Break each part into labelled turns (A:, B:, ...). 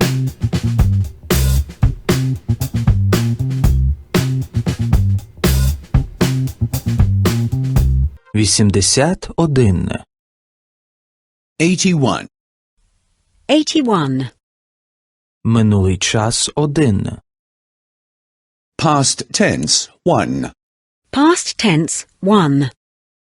A: 81.
B: 81.
C: 81.
A: Минулий час 1.
B: Past tense 1.
C: Past tense 1.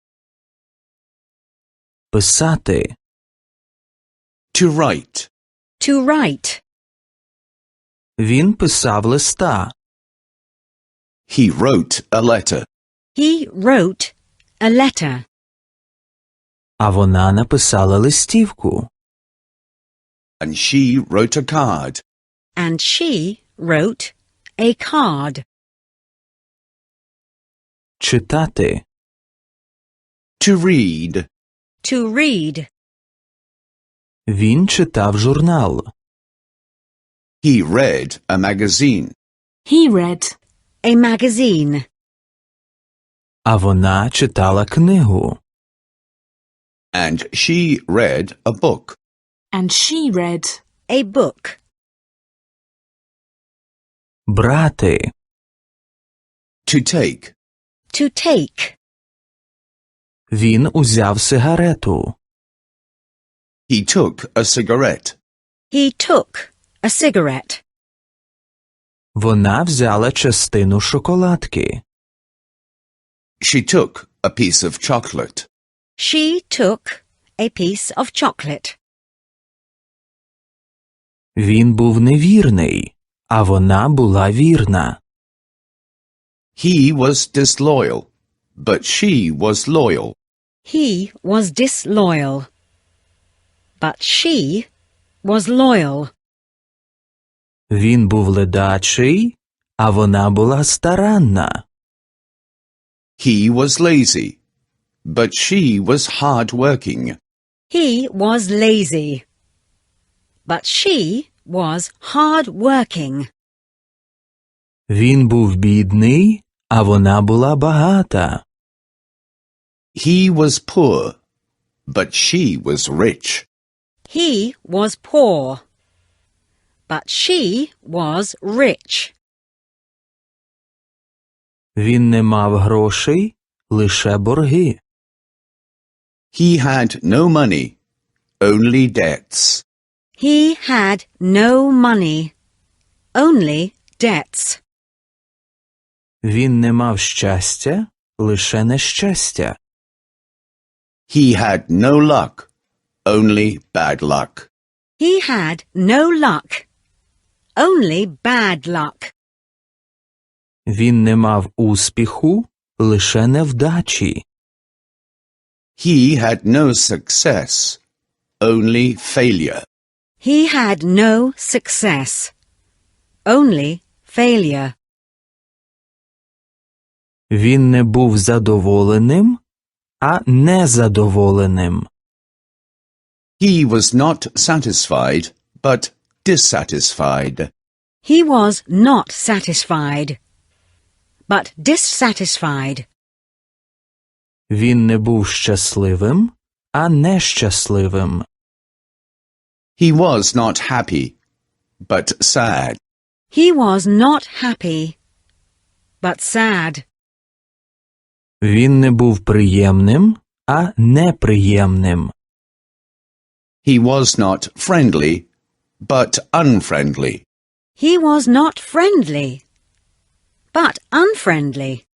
A: Писати.
B: To write.
C: To write.
A: Він писав листа.
B: He wrote a letter.
C: He wrote a letter.
A: А вона написала листівку.
B: And she wrote a card.
C: And she wrote a card.
A: Читати.
B: To read.
C: To read.
A: Він читав журнал.
B: He read a magazine.
C: He read a magazine.
A: А вона читала книгу.
B: And she read a book.
C: And she read a book.
A: Брати.
B: To take.
C: To take.
A: Він узяв сигарету.
B: He took a cigarette.
C: He took a cigarette.
A: Вона взяла частину шоколадки.
B: She took a piece of chocolate.
C: She took a piece of chocolate.
A: Він був невірний, а вона була вірна.
B: He was disloyal, but she was loyal.
C: He was disloyal. But she was loyal.
A: Він був ледачий, а вона була старанна.
B: He was lazy, but she was hard-working.
C: He was lazy. But she was hard-working.
A: Він був бідний, а вона була багата.
B: He was poor, but she was rich.
C: He was poor. But she was rich.
A: Він не мав грошей, лише борги.
B: He had no money, only debts.
C: He had no money, only debts.
A: Він не мав щастя, лише нещастя.
B: He had no luck, only bad luck.
C: He had no luck, only bad luck.
A: Він не мав успіху, лише невдачі.
B: He had no success, only failure.
C: He had no success, only failure.
A: Він не був задоволеним, а незадоволеним.
B: He was not satisfied, but dissatisfied.
C: He was not satisfied, but dissatisfied.
A: Він не був щасливим, а нещасливим.
B: He was not happy, but sad.
C: He was not happy, but sad.
A: Він не був приємним, а неприємним.
B: He was not friendly, but unfriendly.
C: He was not friendly, but unfriendly.